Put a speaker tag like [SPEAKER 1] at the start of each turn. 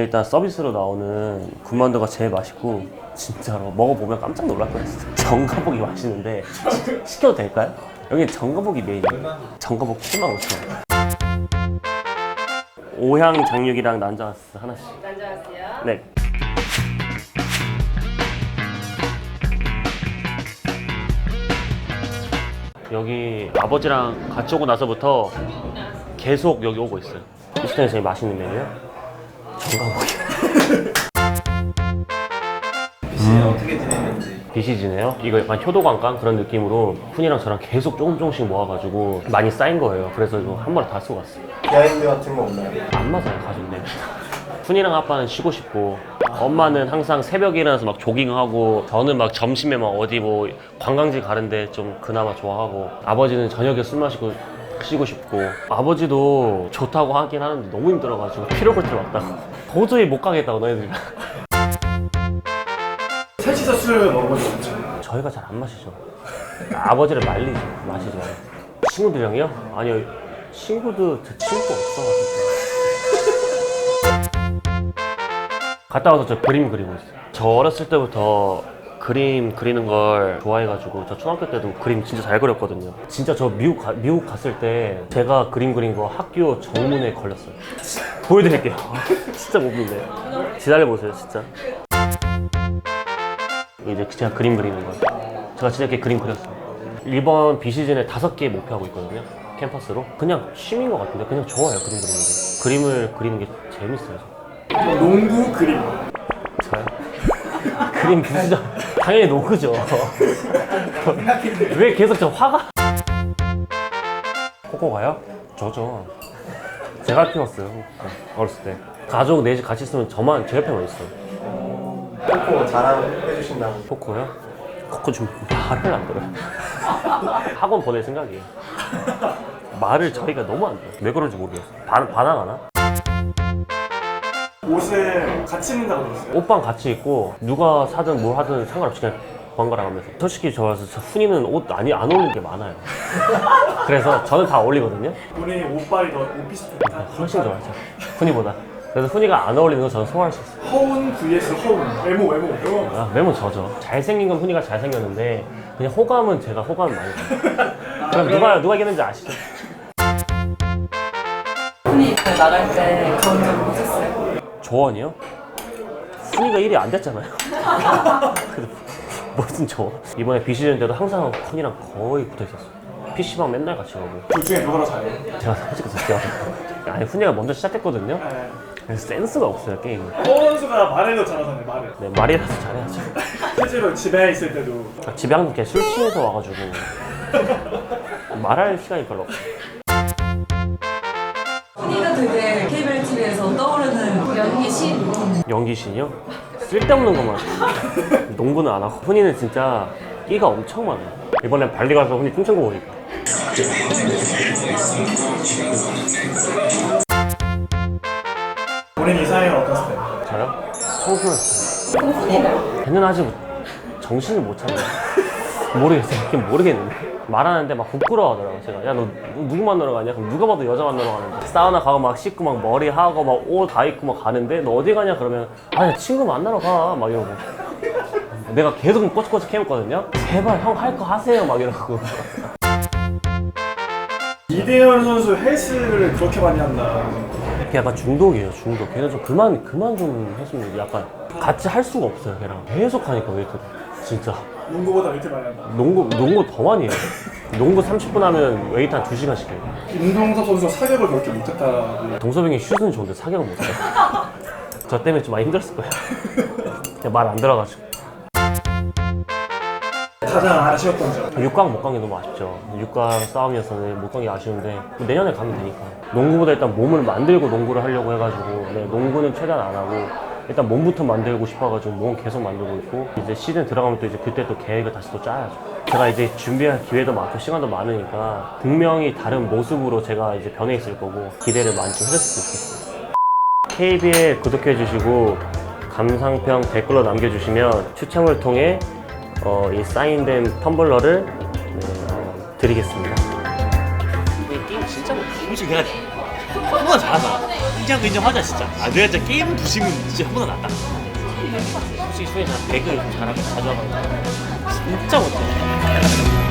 [SPEAKER 1] 일단 서비스로 나오는 군만두가 제일 맛있고 진짜로 먹어보면 깜짝 놀랄 거예요. 정가복이 맛있는데 시켜도 될까요? 여기 정가복이 메인이에요. 정가복 75,000원. 오향 장육이랑 난자스 하나씩.
[SPEAKER 2] 난자스요?
[SPEAKER 1] 네. 여기 아버지랑 같이 오고 나서부터 계속 여기 오고 있어요. 이 시간에 제일 맛있는 메뉴요? 정가복이요.
[SPEAKER 3] BC는 어떻게 지내는지.
[SPEAKER 1] BC지네요. 이거 약간 효도관광 그런 느낌으로 훈이랑 저랑 계속 조금씩 모아가지고 많이 쌓인 거예요. 그래서 이거 한 번에 다 쓰고 왔어요.
[SPEAKER 3] 비하인드 같은 거 없나요?
[SPEAKER 1] 안 맞아요, 가족네. 훈이랑 아빠는 쉬고 싶고 엄마는 항상 새벽에 일어나서 막 조깅하고 저는 막 점심에 막 어디 뭐 관광지 가는데 좀 그나마 좋아하고 아버지는 저녁에 술 마시고 쉬고 싶고 아버지도 좋다고 하긴 하는데 너무 힘들어가지고 피로골트를 왔다고 도저히 못 가겠다고 너희들이랑.
[SPEAKER 3] 셋이서 술을 먹은 적이 없죠?
[SPEAKER 1] 저희가 잘 안 마시죠. 아버지를 말리죠. 마시지 말고. 친구들이랑요? 아니요. 친구도 저 친구가 없어가지고. 갔다 와서 저 그림 그리고 있어요. 저 어렸을 때부터 그림 그리는 걸 좋아해가지고 저 초등학교 때도 그림 진짜 잘 그렸거든요. 진짜 저 미국 갔을 때 제가 그림 그린 거 학교 정문에 걸렸어요. 보여드릴게요. 진짜 못 믿네요. 기다려보세요, 진짜. 이제 제가 그림 그리는 거. 제가 진짜 이렇게 그림 그렸어요. 이번 비시즌에 5개 목표하고 있거든요. 캠퍼스로. 그냥 취미인 것 같은데 그냥 좋아요, 그림 그리는 게. 그림을 그리는 게 재밌어요.
[SPEAKER 3] 농구 그림.
[SPEAKER 1] 저요? 그림 비시즌 당연히 노크죠. 왜 계속 저 화가? 코코가요? 저죠. 제가 키웠어요. 어렸을 때. 가족 넷이 같이 있으면 저만 제 옆에만 있어요.
[SPEAKER 3] 코코 자랑해주신다고.
[SPEAKER 1] 코코요? 코코 좀 말을 안 들어요. 학원 보낼 생각이에요. 말을 저희가 너무 안 들어요. 왜 그런지 모르겠어요. 반항하나?
[SPEAKER 3] 옷을 같이 입는다고 들었어요.
[SPEAKER 1] 옷방 같이 입고 누가 사든 뭘 하든 상관없이 그냥 번갈아 가면서. 솔직히 저 훈이는 옷 안 어울리는 게 많아요. 그래서 저는 다 어울리거든요.
[SPEAKER 3] 본인이 옷빨이 더 오피스텔.
[SPEAKER 1] 훨씬 좋아하죠. 훈이보다. 그래서 훈이가 안 어울리는 거 저는 소화할 수 있어요.
[SPEAKER 3] 허운 vs 허운. 외모.
[SPEAKER 1] 아, 외모 저죠. 잘생긴 건 훈이가 잘생겼는데 그냥 호감은 제가 호감을 많이 가요. 그럼 누가 이겼는지 아시죠?
[SPEAKER 2] 훈이 나갈 때 그런 적 있었어요?
[SPEAKER 1] 조언이요? 훈이가 1위 안 됐잖아요. 그래도 무슨 조언? 이번에 비시즌 때도 항상 훈이랑 거의 붙어 있었어요. PC방 맨날 같이 가고.
[SPEAKER 3] 둘 중에 누가 더 잘해요?
[SPEAKER 1] 제가 솔직히 제가 아니 훈이가 먼저 시작했거든요.
[SPEAKER 3] 네.
[SPEAKER 1] 그래서 센스가 없어요 게임이.
[SPEAKER 3] 허운 선수가 말을 더 잘하잖아요, 말을.
[SPEAKER 1] 네, 말이라도 잘해야죠.
[SPEAKER 3] 실제로 집에 있을 때도
[SPEAKER 1] 집에 항상 그냥 술 취해서 와가지고 말할 시간이 별로 없어요.
[SPEAKER 2] 훈이가 되게 KBL TV에서 떠오르는 연기신?
[SPEAKER 1] 연기신이요? 쓸데없는 것만 농구는 안 하고. 훈이는 진짜 끼가 엄청 많아요. 이번에 발리 가서 훈이 춤춘 거 보니까
[SPEAKER 3] 본인 이상형은 어떤 스타일?
[SPEAKER 1] 저요? 청순한 스타일.
[SPEAKER 2] 훈이는?
[SPEAKER 1] 걔는 아직 정신을 못 차려요. 모르겠어요. 그냥 모르겠는데 말하는데 막 부끄러워하더라고요. 제가 야 너 누구 만나러 가냐? 그럼 누가 봐도 여자 만나러 가는데 사우나 가고 막 씻고 막 머리 하고 막 옷 다 입고 막 가는데 너 어디 가냐? 그러면 아니 친구 만나러 가 막 이러고 내가 계속 꼬치꼬치 캐묻거든요. 제발 형 할 거 하세요 막 이러고.
[SPEAKER 3] 이대현 선수 헬스를 그렇게 많이 한다.
[SPEAKER 1] 걔 약간 중독이에요, 중독. 걔는 좀 그만 좀 했으면 약간 같이 할 수가 없어요, 걔랑. 계속 하니까 웨이트를. 진짜.
[SPEAKER 3] 농구보다 웨이트 많이 한다.
[SPEAKER 1] 농구 더 많이 해요. 농구 30분 하면 웨이트 한 2시간씩 해요.
[SPEAKER 3] 김동섭 선수가 사격을 그렇게 못했다고.
[SPEAKER 1] 동섭이 슛은 좋은데 사격은 못해요. 저 때문에 좀 많이 힘들었을 거예요. 그냥 말 안 들어가지고.
[SPEAKER 3] 가장 아쉬웠던 점.
[SPEAKER 1] 6강 못 간 게 너무 아쉽죠. 6강 싸움이었었는데 못 간 게 아쉬운데 내년에 가면 되니까. 농구보다 일단 몸을 만들고 농구를 하려고 해가지고 네, 농구는 최대한 안 하고 일단 몸부터 만들고 싶어가지고 몸 계속 만들고 있고 이제 시즌 들어가면 또 이제 그때 또 계획을 다시 또 짜야죠. 제가 이제 준비할 기회도 많고 시간도 많으니까 분명히 다른 모습으로 제가 이제 변해 있을 거고 기대를 많이 좀 해줬으면 좋겠어요. KBL 구독해주시고 감상평 댓글로 남겨주시면 추첨을 통해 이 사인된 텀블러를 드리겠습니다. 이 게임 진짜 뭐 굳이 해야 돼.
[SPEAKER 4] 형보다 잘하잖아. 인정하자 진짜. 아 내가 진짜 게임 부심은 진짜 형보다 낫다.
[SPEAKER 1] 솔직히 소연이 나 배그 잘하고 자주 하거든. 진짜 못해.